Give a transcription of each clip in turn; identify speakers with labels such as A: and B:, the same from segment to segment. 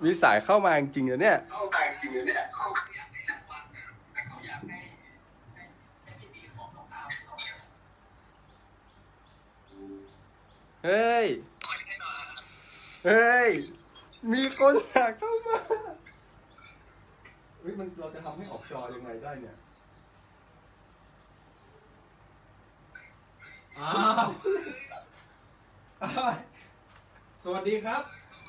A: มีสายเข้ามาจริงๆนะเนี่ยเฮ้ยเฮ้ยมีคนอยากเข้ามาเฮ้ยมันเราจะทำให้ออกจอยังไงได้เนี่ย
B: อ้าว สวัสดีครับ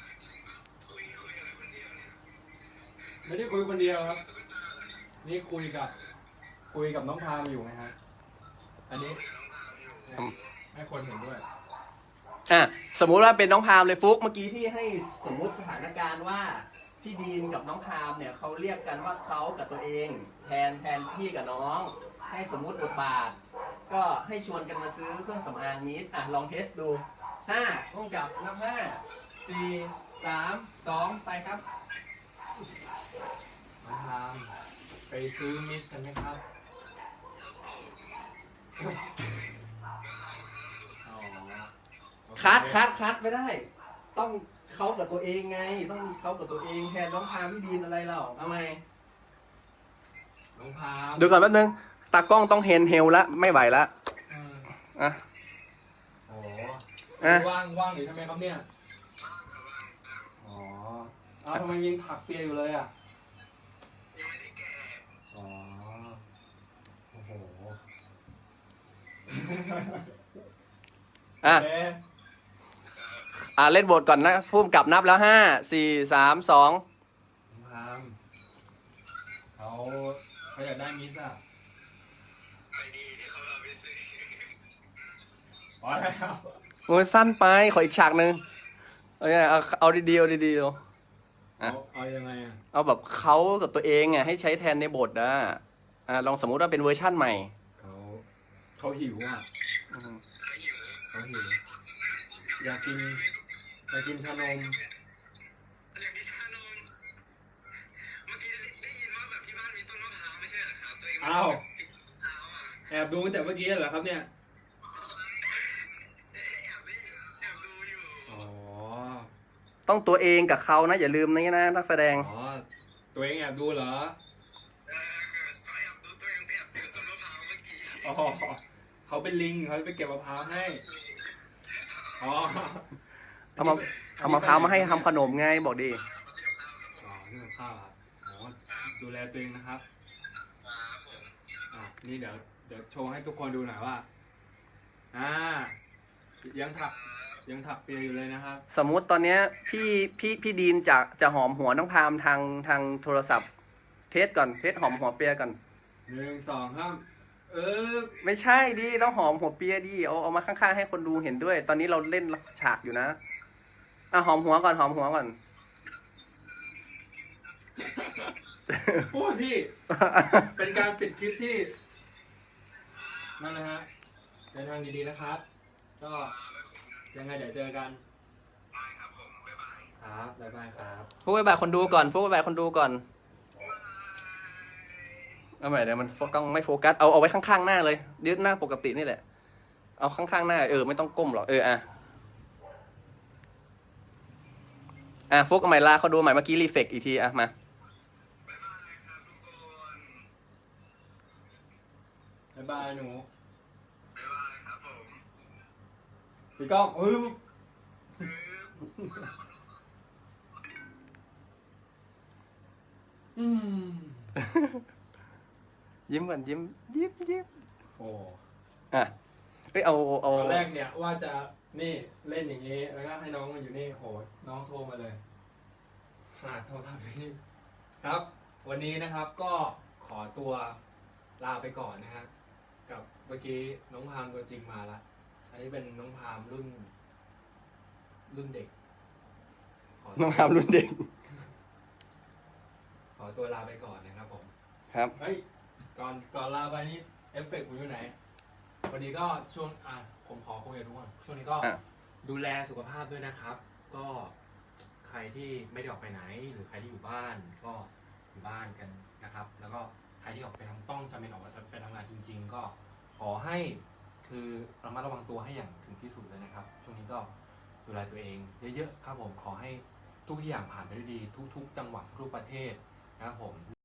B: ไม่ได้คุยคนเดียวครับนี่คุยกับน้องพามอยู่ไงฮะอันนี้ให้คนเห็นด้วย
A: สมมุติว่าเป็นน้องพามเลยฟุกเมื่อกี้พี่ให้สมมุติสถานการณ์ว่าพี่ดีนกับน้องพามเนี่ยเขาเรียกกันว่าเขากับตัวเองแทนพี่กับน้องให้สมมุติบทบาทก็ให้ชวนกันมาซื้อเครื่องสำอางมิสลองเทสดูต้องจับนับ5 4 3 2ไปครับ
B: น้องพามไปซื้อมิสกันไหมครับ
A: คัดไม่ได้ต้องเขากับตัวเองไงต้องเขากับตัวเองแทนน้องพามพี่ดีนอะไรเราทำไม
B: น้องพาม
A: ดูก่อนแป๊บนึงตากล้องต้องเฮลละไม่ไหวละ
B: โอ้ว่างอยู่ทำไมครับเนี่ยอ๋อทำไมยังถักเปียอยู่เลยอ่ะยังไม่ได้แกะอ๋อโอ้โห
A: เล่นบทก่อนนะพุ่มกลับนับแล้ว5 4 3 2
B: พามเขาอยากได้มิสอ่ะไปดีที่เขาเอาไปซื้ออ๋อแล้ว
A: โอ้ยสั้นไปขออีกฉากหนึ่งเอาดีๆเอา
B: ยังไง
A: เอาแบบเขากับตัวเองให้ใช้แทนในบทลองสมมุติว่าเป็นเวอร์ชั่นใหม่
B: เขาหิวอ่ะเขาหิวอยากกินชานมอ้าวแอบดูตั้งแต่เมื่อกี้เหรอครับเนี่ย
A: ต้องตัวเองกับเขานะอย่าลืมนี่นะนักแสดง
B: ตัวเองแอบดูเหรอเขาเป็นลิงเขาไปเก็บมะพร้าวให้
A: เอามะพร้าวมาให้ทำขนมไงบอกดิ
B: นี่มะพร้าวดูแลตัวเองนะครับนี่เดี๋ยวโชว์ให้ทุกคนดูหน่อยว่ายังถักเปียอยู่เลยนะครับ
A: สมมุติตอนเนี้ยพี่ดีนจะหอมหัวน้องพามทางโทรศัพท์เทสหอมหัวเปียก่อน
B: 1 2 3
A: ไม่ใช่ดิต้องหอมหัวเปียดิเอามาข้างๆให้คนดูเห็นด้วยตอนนี้เราเล่นฉากอยู่นะหอมหัวก่อน
B: พูดพี่ เป็นการปิดคลิปที่นั่นนะฮะเดินทางดีๆนะครับก็ยังไงเดี๋ยวเจอกันได้ครับผมบ๊ายบายครับบ๊ายบายครับ
A: ฟุกบ๊ายบายคนดูก่อนเอาใหม่เดี๋ยวมันต้องไม่โฟกัสเอาไว้ข้างๆหน้าเลยยืดหน้าปกตินี่แหละเอาข้างๆหน้าไม่ต้องก้มหรอกฟุกเอาใหม่ลาเขาดูใหม่เมื่อกี้รีเฟกอีกทีมา
B: บ๊ายบายหนูบ๊ายบายครับผมพี่ก้อง
A: ยิ้มก่อนยิ้ม
B: โอ้
A: เอา
B: ตอนแรกเนี่ยว่าจะนี่เล่นอย่างนี้แล้วก็ให้น้องมาอยู่นี่โหน้องโทรมาเลยโทรทำนี่ครับวันนี้นะครับก็ขอตัวลาไปก่อนนะฮะกับเมื่อกี้น้องพามตัวจริงมาละอันนี้เป็นน้องพามรุ่นเด็ก
A: น้องพามรุ่นเด็ก
B: ขอตัวลาไปก่อนนะครับผม
A: ครับ
B: ก่อนลาไปนี่เอฟเฟกต์ผมอยู่ไหนวันนี้ก็ช่วงผมขอคุยกับทุกคนช่วงนี้ก็ดูแลสุขภาพด้วยนะครับก็ใครที่ไม่ได้ออกไปไหนหรือใครที่อยู่บ้านก็อยู่บ้านกันนะครับแล้วก็ใครที่ออกไปต้องจำเป็นออกไปทำงานจริงๆก็ขอให้คือระมัดระวังตัวให้อย่างถึงที่สุดเลยนะครับช่วงนี้ก็ดูแลตัวเองเยอะๆครับผมขอให้ทุกอย่างผ่านไปด้วยดีทุกๆจังหวัดทุกๆประเทศนะครับผม